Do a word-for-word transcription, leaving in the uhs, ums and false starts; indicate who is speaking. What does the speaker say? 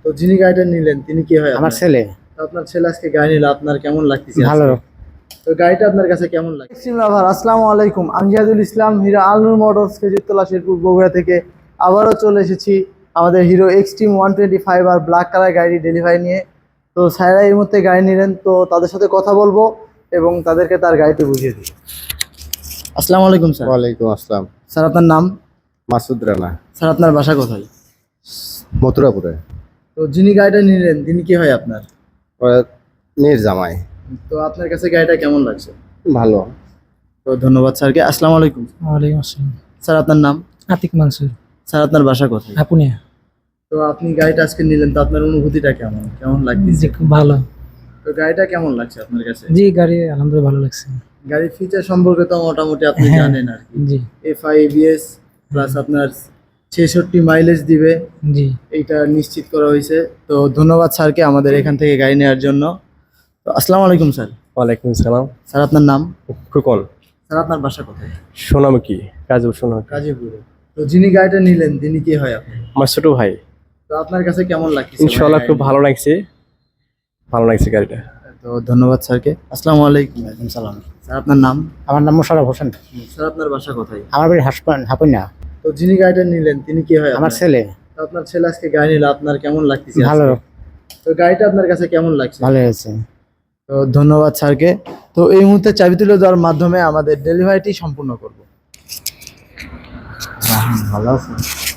Speaker 1: তো যিনি গাড়িটা নিলেন তিনি কি হয়
Speaker 2: আমার
Speaker 1: আপনার?
Speaker 2: ছেলে।
Speaker 1: তো আপনার ছেলে আজকে গাড়ি নিল, আপনার কেমন লাগতেছে
Speaker 2: ভালো।
Speaker 1: আজকে? তো গাড়িটা আপনার কাছে কেমন লাগে? এক্সট্রিম লাভার, আসসালামু আলাইকুম। আমি জিহাদুল ইসলাম, হিরো আলনুর মোটরস খেজুরতলা শেরপুর বগুড়া থেকে আবারও চলে এসেছি আমাদের Hero Xtreme one twenty five আর ব্ল্যাক কালার গাড়ি ডেলিভারি নিয়ে। তো স্যাররা এই মুহূর্তে গাড়ি নিলেন, তো তাদের সাথে কথা বলবো এবং তাদেরকে তার গাড়িটি বুঝিয়ে দিই। আসসালামু আলাইকুম স্যার।
Speaker 3: ওয়ালাইকুম আসসালাম।
Speaker 1: স্যার আপনার নাম?
Speaker 3: মাসুদ রানা,
Speaker 1: স্যার আপনার বাসা কোথায়?
Speaker 3: মথুরাপুরে।
Speaker 1: তো যিনি গাড়িটা নিলেন তিনি কি হয় আপনার?
Speaker 3: ওরা মেয়ের জামাই।
Speaker 1: তো আপনার কাছে গাড়িটা কেমন লাগছে?
Speaker 3: ভালো।
Speaker 1: তো ধন্যবাদ স্যারকে। আসসালামু আলাইকুম।
Speaker 4: ওয়ালাইকুম আসসালাম।
Speaker 1: স্যার আপনার নাম?
Speaker 4: আতিক মানসুর,
Speaker 1: স্যার আপনার বাসা কোথায়?
Speaker 4: আপুনিয়া।
Speaker 1: তো আপনি গাড়িটা আজকে নিলেন, তো আপনার অনুভূতিটা কেমন কেমন
Speaker 4: জি
Speaker 1: লাগতেছে?
Speaker 4: খুব ভালো।
Speaker 1: তো গাড়িটা কেমন লাগছে আপনার কাছে?
Speaker 4: জি গাড়ি আলহামদুলিল্লাহ ভালো লাগছে।
Speaker 1: গাড়ির ফিচার সম্পর্কে তো মোটামুটি আপনি
Speaker 4: হ্যাঁ,
Speaker 1: জানেন আর কি।
Speaker 4: জি
Speaker 1: এফআই এবিএস প্লাস আপনার ছেষট্টি মাইলেজ দিবে,
Speaker 4: জি
Speaker 1: এইটা নিশ্চিত করা হয়েছে। তো ধন্যবাদ স্যারকে আমাদের এখান থেকে গাড়ি নেওয়ার জন্য। তো আসসালামু আলাইকুম স্যার।
Speaker 5: ওয়ালাইকুম সালাম।
Speaker 1: স্যার আপনার নাম?
Speaker 5: খোকন।
Speaker 1: স্যার আপনার বাসা কোথায়?
Speaker 5: সোনামুখী, গাজীপুর সোনামুখী।
Speaker 1: গাজীপুরে। তো যিনি গাড়িটা নিলেন তিনি কি হয় আপনি?
Speaker 5: আমার ছোট ভাই।
Speaker 1: তো আপনার কাছে কেমন লাগছে?
Speaker 5: ইনশাল্লাহ খুব ভালো লাগছে, ভালো লাগছে গাড়িটা।
Speaker 1: তো ধন্যবাদ স্যারকে। আসসালামু আলাইকুম।
Speaker 2: ওয়ালাইকুম সালাম।
Speaker 1: স্যার আপনার নাম?
Speaker 2: আমার নাম মোশাররফ হোসেন।
Speaker 1: স্যার আপনার বাসা কোথায়?
Speaker 2: আমার বাড়ি হাসপান হাপুনা।
Speaker 1: তো যিনি গাড়িটা নিলেন তিনি কি হয়
Speaker 2: আমার
Speaker 1: আপনার?
Speaker 2: ছেলে।
Speaker 1: তো আপনার ছেলে আজকে গাড়ি নিল, আপনার কেমন লাগতেছে আজকে?
Speaker 2: ভালো।
Speaker 1: তো গাড়িটা আপনার কাছে কেমন লাগছে?
Speaker 2: ভালো হয়েছে।
Speaker 1: তো ধন্যবাদ স্যারকে। তো এই মুহূর্তে চাবি তুলে দেওয়ার মাধ্যমে আমাদের ডেলিভারিটি সম্পূর্ণ করব।
Speaker 2: ভালো আছে।